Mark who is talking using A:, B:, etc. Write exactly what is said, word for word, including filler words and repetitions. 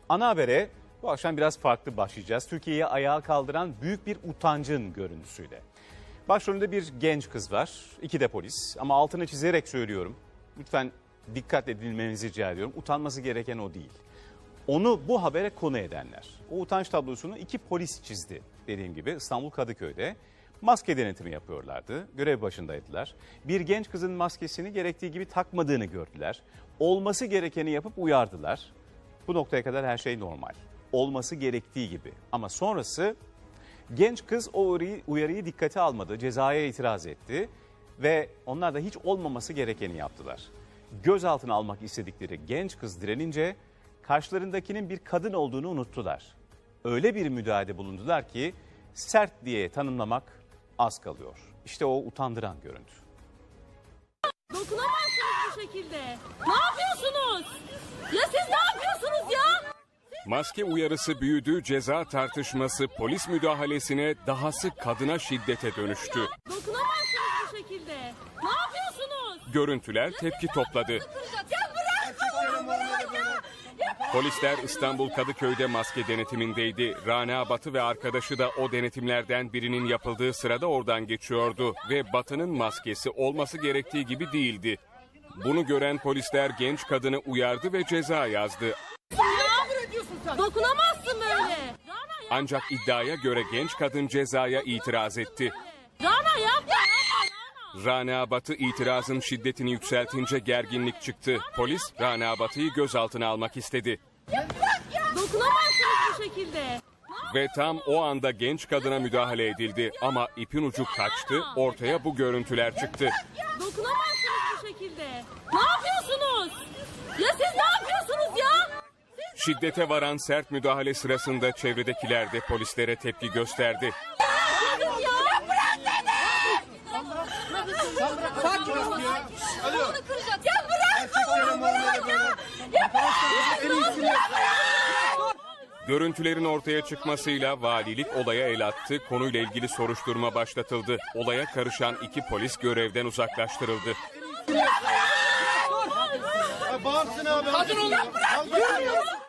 A: Ana habere bu akşam biraz farklı başlayacağız. Türkiye'yi ayağa kaldıran büyük bir utancın görüntüsüyle. Başrolünde bir genç kız var, iki de polis. Ama altını çizerek söylüyorum. Lütfen dikkat edilmenizi rica ediyorum. Utanması gereken o değil. Onu bu habere konu edenler. O utanç tablosunu iki polis çizdi dediğim gibi İstanbul Kadıköy'de. Maske denetimi yapıyorlardı. Görev başındaydılar. Bir genç kızın maskesini gerektiği gibi takmadığını gördüler. Olması gerekeni yapıp uyardılar. Bu noktaya kadar her şey normal. Olması gerektiği gibi. Ama sonrası genç kız o uyarıyı, uyarıyı dikkate almadı. Cezaya itiraz etti. Ve onlar da hiç olmaması gerekeni yaptılar. Gözaltına almak istedikleri genç kız direnince karşılarındakinin bir kadın olduğunu unuttular. Öyle bir müdahalede bulundular ki sert diye tanımlamak az kalıyor. İşte o utandıran görüntü.
B: Dokunamazsınız bu şekilde. Ne yapıyorsunuz? Ya siz ne yapıyorsunuz ya?
C: Maske uyarısı büyüdü, ceza tartışması polis müdahalesine, dahası kadına şiddete dönüştü.
B: Dokunamazsınız bu şekilde. Ne yapıyorsunuz?
C: Görüntüler tepki topladı.
B: Ya bırak Allah'ım bırak ya.
C: Polisler İstanbul Kadıköy'de maske denetimindeydi. Rana Batı ve arkadaşı da o denetimlerden birinin yapıldığı sırada oradan geçiyordu. Ve Batı'nın maskesi olması gerektiği gibi değildi. Bunu gören polisler genç kadını uyardı ve ceza yazdı.
B: Dokunamazsın böyle. Rana ya.
C: Ancak iddiaya göre genç kadın cezaya itiraz etti.
B: Rana yapma yapma Rana.
C: Rana Batı itirazın şiddetini yükseltince gerginlik çıktı. Polis Rana Batı'yı gözaltına almak istedi.
B: Dokunamazsınız bu şekilde.
C: Ve tam o anda genç kadına müdahale edildi. Ama ipin ucu kaçtı, ortaya bu görüntüler çıktı.
B: Dokunamazsınız bu şekilde. Ne yapıyorsunuz? Ya siz ne yapıyorsunuz ya?
C: Şiddete varan sert müdahale sırasında çevredekiler de polislere tepki gösterdi.
B: Bakın ya. Bırak beni. Sakin olun. Onu kıracak. Ya bırak. Bırak ya. Ya bırak.
C: Görüntülerin ortaya çıkmasıyla valilik olaya el attı, konuyla ilgili soruşturma başlatıldı. Olaya karışan iki polis görevden uzaklaştırıldı.
D: Bağımsın abi. Kadın olun.